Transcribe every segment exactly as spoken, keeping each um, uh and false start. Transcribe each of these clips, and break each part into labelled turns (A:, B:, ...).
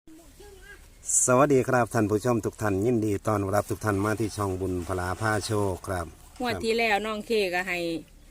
A: สวัสดีครับท่านผู้ชมทุกท่านยินดีต้อนรับทุกท่านมาที่ช่องบุญพลาผ้าโชคครับ
B: งวดที่แล้วน้องเคก็ให้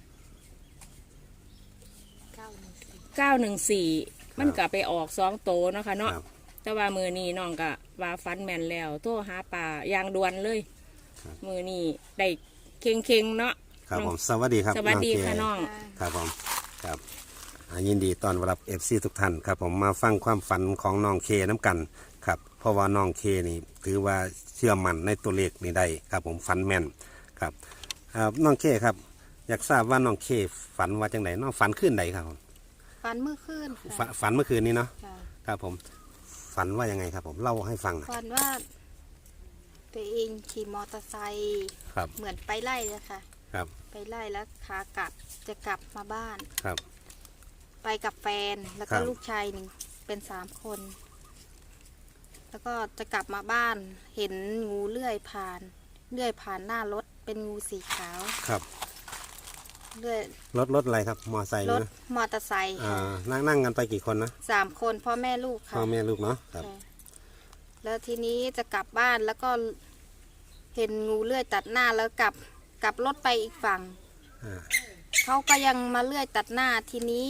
B: เก้าหนึ่งสี่มันก็ไปออกสองโตเนาะค่ะเนาะแต่ว่ามือนี้น้องก็ว่าฟันแม่นแล้วโทรหาป่าอย่างด่วนเลยมือนี้ได้เค็งเค็งเนาะ
A: ครับผมสวัสดีครับ
B: สวัสดีค่ะน้อง
A: ครับผมครับยินดีต้อนรับเอฟซีทุกท่านครับผมมาฟังความฝันของน้องเคน้ำกันครับเพราะว่าน้องเคนี่ถือว่าเชื่อมั่นในตัวเลขนี้ได้ครับผมฝันแม่นครับน้องเคครับอยากทราบว่าน้องเคฝันว่าจังไหนน้องฝันขึ้นใดครับผม
C: ฝันเมื่อคืน
A: ฝันเมื่อคืนนี้เนาะครับผมฝันว่ายังไงครับผมเล่าให้ฟัง
C: ฝันว่าตัวเองขี่มอเตอร์ไซค์เหมือนไปไล่เลยค่ะ
A: ครับ
C: ไปไล่แล้วขากลับจะกลับมาบ้าน
A: ครับ
C: ไปกับแฟนแล้วก็ลูกชายหนึ่งเป็นสามคนแล้วก็จะกลับมาบ้านเห็นงูเลื่อยผ่านเลื่อยผ่านหน้ารถเป็นงูสีขาว
A: ครับ
C: เลื่อย
A: รถรถอะไรครับมอเตอร์ไซค์
C: รถมอเตอร์ไซค์
A: อ่านั่งนั่งกันไปกี่คนนะ
C: สามคนพ่อแม่ลูกค่ะ
A: พ่อแม่ลูกเนาะครับ
C: แล้วทีนี้จะกลับบ้านแล้วก็เห็นงูเลื่อยตัดหน้าแล้วกลับกลับรถไปอีกฝั่งเขาก็ยังมาเลื่อยตัดหน้าทีนี้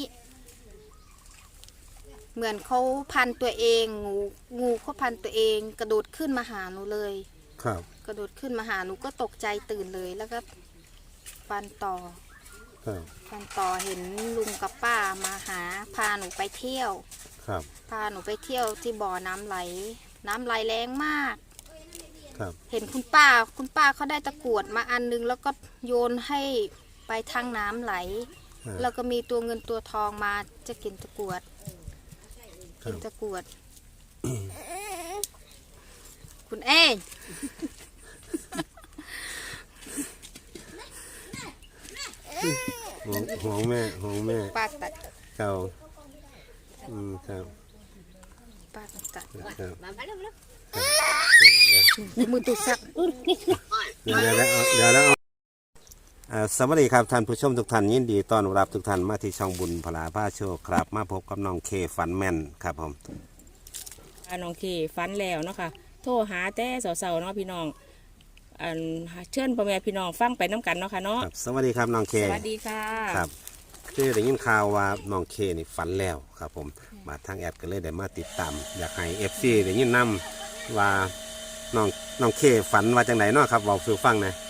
C: เหมือนเขาพันตัวเองงูงูเขาพันตัวเองกระโดดขึ้นมาหาหนูเลย
A: ครับ
C: กระโดดขึ้นมาหาหนูก็ตกใจตื่นเลยแล้วก็ฟันต่อฟันต่อเห็นลุงกับป้ามาหาพาหนูไปเที่ยว
A: ครับ
C: พาหนูไปเที่ยวที่บ่อน้ำไหลน้ำไหลแรงมาก
A: ครับ
C: เห็นคุณป้าคุณป้าเขาได้ตะกรวดมาอันนึงแล้วก็โยนให้ไปทางน้ำไหลแล้วก็มีตัวเงินตัวทองมาจะกินตะกรวดกินตะกรวดคุณเอ๋
A: ห่วงห่วงแม่ห่วงแม่
C: ป้าตัด
A: เก่าอืมครับ
C: ป้าตัด
A: ครับ
C: มือตุสัก
A: เดี๋ยวแล้วเดี๋ยวแล้วสวัสดีครับท่านผู้ชมทุกท่านยินดีต้อนรับทุกท่านมาที่ช่องบุญพลาผ้าโชคครับมาพบกับน้องเคฝันแม่นครับผม
B: น้องเคฝันแล้วเนาะค่ะโทรหาแต่สาวๆเนาะพี่น้องอันเชิญพ่อแม่พี่น้องฟังไปน้ำกันเนาะค่ะเนาะ
A: สวัสดีครับน้องเค
B: สวัสดีค่ะ
A: ครับคือได้ยินข่าวว่าน้องเคนี่ฝันแล้วครับผมมาทางแอดก็เลยได้มาติดตามอยากให้เอฟซีได้ยินนำว่าน้องน้องเคฝันว่าจังไหนเนาะครับบอกสู่ฟังนะ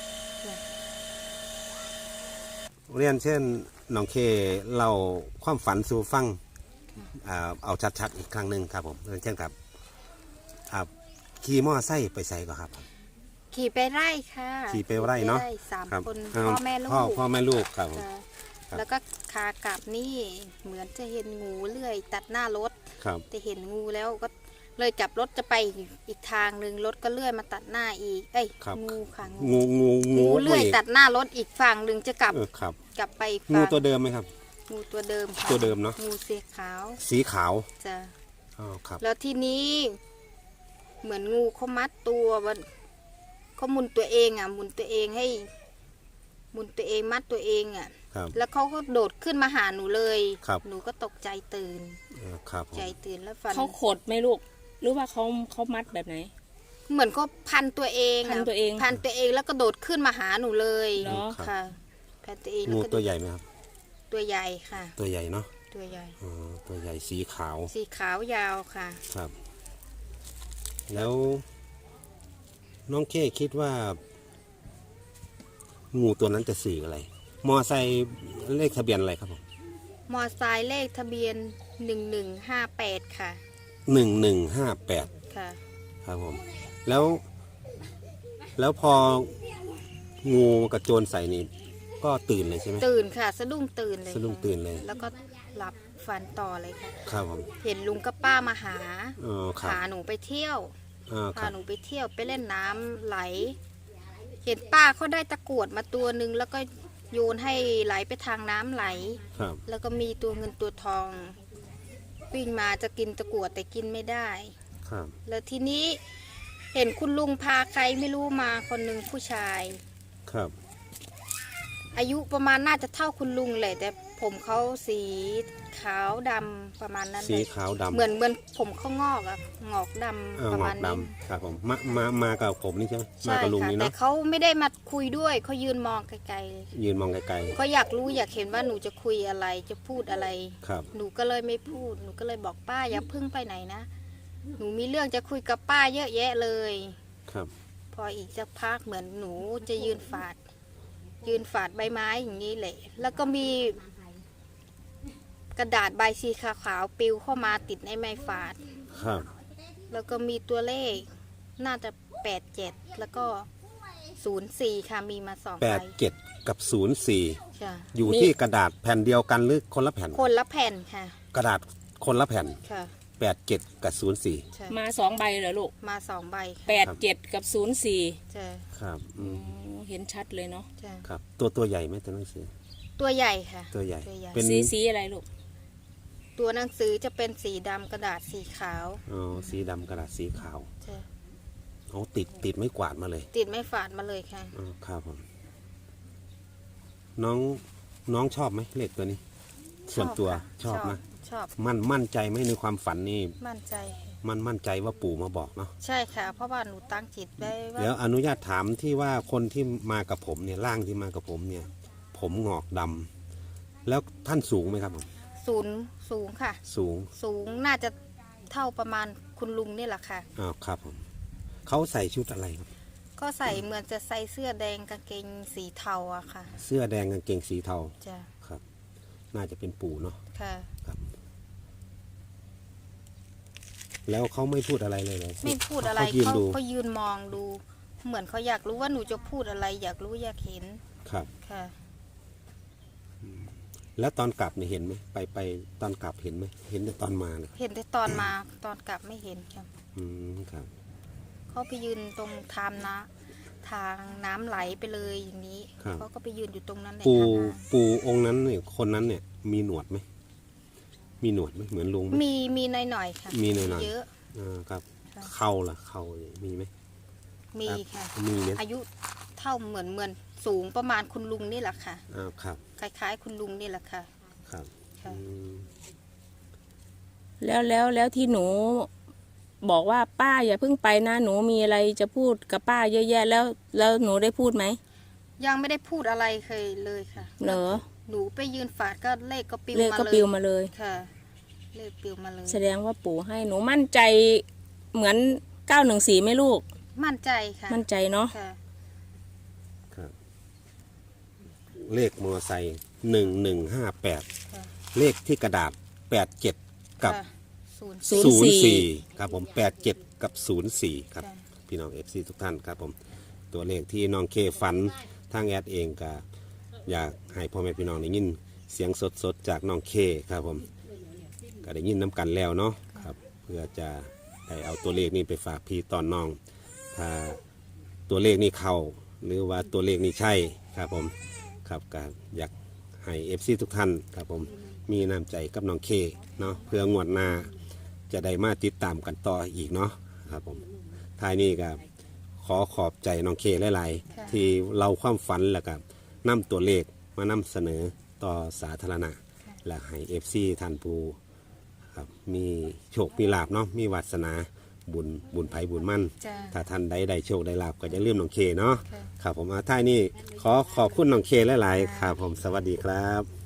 A: เรียนเช่นน้องเคเล่าความฝันสู่ฟังเอาชัดๆอีกครั้งหนึ่งครับผมเรียนเช่นครับขี่มอไซค์ไปใส่ก็ครับ
C: ขี่ไปไร่ค่ะ
A: ขี่ไปไร่เนาะ
C: สามคนพ่อแม่ลูก
A: พ่อพ่อแม่ลูกครับ
C: แล้วก็ขากลับนี่เหมือนจะเห็นงูเลื่อยตัดหน้ารถจะเห็นงูแล้วก็เลยกลับรถจะไปอีกทางหนึ่งรถก็เลื่อยมาตัดหน้าอีกเอ้ยงูค่ะ
A: งูงู
C: งูเลื่อยตัดหน้ารถอีกฝั่งหนึ่งจะกลับกลับไป
A: งูตัวเดิมไหมครับ
C: งูตัวเดิม
A: ตัวเดิมเนาะ
C: งูสีขาว
A: สีขาว
C: จ้ะ
A: อ๋อครับ
C: แล้วทีนี้เหมือนงูเขามัดตัวมันเขาหมุนตัวเองอ่ะหมุนตัวเองให้หมุนตัวเองมัดตัวเองอ่ะแล้วเขาก็โดดขึ้นมาหาหนูเลยหนูก็ตกใจตื่นใจตื่นแล้วฟัน
B: เขาขดไหมลูกหรือว่าเขาเขามัดแบบไหน
C: เหมือนก็พันตัวเอง
B: พันตัวเอง
C: พันตัวเองแล้วก็โดดขึ้นมาหาหนูเลยเนาะค่ะพันตัวเอง
A: งูตัวใหญ่ไหมครับ
C: ตัวใหญ่ค่ะ
A: ตัวใหญ่เนาะ
C: ตัวใหญ่
A: อ๋อตัวใหญ่สีขาว
C: สีขาวยาวค่ะ
A: ครับแล้วน้องเคคิดว่างูตัวนั้นจะสื่ออะไรมอไซค์เลขทะเบียนอะไรครับผม
C: มอไซค์เลขทะเบียนหนึ่งหนึ่งห้าแปดค่ะ
A: หนึ่งหนึ่งห้าแปด
C: ค่ะ
A: ครับผมแล้วแล้วพองูกระโจนใส่นี่ก็ตื่นเลยใช่ไหม
C: ตื่นค่ะสะดุ้งตื่นเลย
A: สะดุ้งตื่นเลย
C: แล้วก็หลับฝันต่อเลยค่ะ
A: ครับผม
C: เห็นลุงกับป้ามาหา
A: พ
C: าหนูไปเที่ยวพาหนูไปเที่ยวไปเล่นน้ำไหลเห็นป้าเขาได้ตะกรวดมาตัวหนึ่งแล้วก็โยนให้ไหลไปทางน้ำไหลแล้วก็มีตัวเงินตัวทองวิ่งมาจะกินตะกรวดแต่กินไม่ได้แล้วทีนี้เห็นคุณลุงพาใครไม่รู้มาคนหนึ่งผู้ชาย
A: ครับ
C: อายุประมาณน่าจะเท่าคุณลุงเลยแต่ผผมเขาสีขาวดำประมาณนั้น
A: สี
C: เลย
A: ขาวดำ
C: เหมือนเหมือนผมเขางอกอะงอกด
A: เออ
C: ำประ
A: หงอ
C: มาณ
A: ก
C: นี้
A: ดำครับผมมามามากับผมนี่ใช่ไหมมา
C: ใช่
A: กับลุง
C: ค่ะ
A: นี่
C: แต่
A: เนาะ
C: เขาไม่ได้มาคุยด้วยเขายืนมองไกลๆ
A: ยืนมองไกล
C: เขาอยากรู้อยากเห็นว่าหนูจะคุยอะไรจะพูดอะไร
A: ๆครับ
C: หนูก็เลยไม่พูดหนูก็เลยบอกป้าอย่าเพึ่งไปไหนนะหนูมีเรื่องจะคุยกับป้าเยอะแยะเลย
A: ครับ
C: พออีกสักพักเหมือนหนูจะยืนฝาด ยืนฝาดใบไม้อย่างนี้แหละแล้วก็มีกระดาษใบสีขาวๆปลิวเข้ามาติดในไม้ฝาด
A: ครับ
C: แล้วก็มีตัวเลขน่าจะแปดเจ็ดแล้วก็ศูนย์สี่ค่ะมีมาสอง
A: แป
C: ใบ
A: ดเจ็ดกับศูนย์สี่
C: ค่ะ
A: อยู่ที่กระดาษแผ่นเดียวกันหรือคนละแผ่น
C: คนละแผ่นค่ะ
A: กระดาษคนละแผ่น
C: ค่ะ
A: แปดเจ็ดกับศูนย์สี่
C: ใช่
B: มาสองใบเหรอลูก
C: มาสองใบค่ะ
B: แปดเจ็ดกับศูนย์สี่
C: ใช่
A: ครับอืม
B: เห็นชัดเลยเนาะ
C: ใช่
A: ครับ ตัวตัวใหญ่ไหมตัวหนังสือ
C: ตัวใหญ่ค่ะ
A: ตัวใหญ่
C: ตัวใหญ่
A: เป็น
B: สีสีอะไรลูก
C: ตัวหนังสือจะเป็นสีดำกระดาษสีขาว
A: อ๋อสีดำกระดาษสีขาว
C: ใช่
A: เอาติดติดไม่กวาดมาเลย
C: ติดไม่ฝาดมาเลยค่ะ
A: อ๋อครับผมน้องน้องชอบไหมเลขตัวนี้ ส่วนตัว
C: ค่ะ
A: ชอบนะ
C: ชอบ
A: มั่นมั่นใจไหมในความฝันนี่
C: มั่นใจค่ะ
A: มันมั่นใจว่าปู่มาบอกเนาะ
C: ใช่ค่ะ เพราะว่าหนูตั้งจิตไว้ว่า
A: เดี๋ยวอนุญาตถามที่ว่าคนที่มากับผมเนี่ยร่างที่มากับผมเนี่ย ผมงอกดำแล้วท่านสูงไหมครับผม
C: ศูนย์สูงค่ะ
A: สูง
C: สูงน่าจะเท่าประมาณคุณลุงนี่แหละค่ะ
A: อ้าวครับผมเขาใส่ชุดอะไรครับ
C: ก็ใส่เหมือนจะใส่เสื้อแดงกางเกงสีเทาอะค่ะ
A: เสื้อแดงกางเกงสีเทา
C: จ้ะ
A: ครับ น่าจะเป็นปู่เนาะ
C: ค่ะ
A: ครับ แล้วเขาไม่พูดอะไรเลยเหรอ
C: ไม่พูดอะไร
A: เขายืน
C: เขา
A: ดู
C: เขายืนมองดู เหมือนเขาอยากรู้ว่าหนูจะพูดอะไร อยากรู้อยากเห็น
A: ครับ
C: ค่ะ
A: แล้วตอนกลับเนี่ยเห็นไหมไปไปตอนกลับเห็นไหมเห็นแต่ตอนมาเลย
C: เห็นแต่ตอนมาตอนกลับไม่เห็นค่ะ
A: อืมครับ
C: เขาไปยืนตรงทามนะทางน้ำไหลไปเลยอย่างนี้
A: ครับ
C: เขาก็ไปยืนอยู่ตรงนั้นใน
A: ปู่
C: ทางน้
A: ปู่องค์นั้นเนี่ยคนนั้นเนี่ย มีหนวดไหมมีหนวดไหมเหมือนลุงไหม
C: ำมีมีหน่อยหน่อยๆค่ะ
A: มีหน่อยๆ
C: เยอะ
A: อ่าครับ
C: ค่ะ
A: เข่าล่ะเข่ามีไหม
C: มี
A: ครับ
C: ค่ะ
A: มีเนี่ย
C: อายุเท่าเหมือนเหมือนสูงประมาณคุณลุงนี่แหละค่ะ
A: อ้าวครับ
C: คล้ายๆ คุณลุงนี่แหละค่ะ
A: ครับ
C: ค่ะ
A: อืม
B: แล้วแล้วแล้วที่หนูบอกว่าป้าอย่าเพิ่งไปนะหนูมีอะไรจะพูดกับป้าเยอะแยะแล้วแล้วหนูได้พูดไหม
C: ยังไม่ได้พูดอะไรเคยเลยค่ะ
B: เหรอ
C: หนูไปยืนฝาดก็เลขก็ปิว
B: เลข
C: มา
B: ก็
C: เล
B: ปิ
C: ยว
B: มาเลย
C: ค่ะ เลขปิวมาเลย
B: แสดงว่าปู่ให้หนูมั่นใจเหมือนเก้าหนึ่งสี่ไหมลูก
C: มั่นใจค่ะ
B: มั่นใจเนาะ
C: ค่ะ
A: ครับ เลขมอไซค์หนึ่งหนึ่งห้าแปด
C: ค่ะ
A: เลขที่กระดาษแปดเจ็ดกับ
C: ค่ะศูนย์
B: ศูนย์
A: ศูนย์
B: สี่
A: สี่ครับผมแปดเจ็ดกับศูนย์สี่ครับ
C: ค่ะ
A: พี่น้องเอฟซีทุกท่านครับผม ตัวเลขที่น้องเคฝันทางแอดเองก็อยากให้พ่อแม่พี่น้องได้ยินเสียงสดๆจากน้องเคครับผม ก็ได้ยินน้ำกันแล้วเนาะครับ เพื่อจะได้เอาตัวเลขนี้ไปฝากพี่ตอนน้อง ถ้าตัวเลขนี้เข้าหรือว่าตัวเลขนี้ใช่ครับผมครับก็อยากให้เอฟซีทุกท่านครับผมมีน้ำใจกับน้องเคเนาะเพื่องวดหน้าจะได้มาติดตามกันต่ออีกเนาะครับผมท้ายนี้ก็ขอขอบใจน้องเคหลายๆที่เราความฝันแล้วก็นำตัวเลขมานำเสนอต่อสาธารณะ และให้เอฟซีท่านผู้ครับมีโชคมีลาบเนาะมีวาสนาบุญบุญไผ่บุญมั่น
C: จ้ะ
A: ถ้าท่านใดได้โชคได้ลาบก็จะเลื่อมน้องเคเนาะ
C: ค่ะ
A: ครับผมอาท้ายนี้ขอขอบคุณน้องเคหลายๆครับผมสวัสดีครับ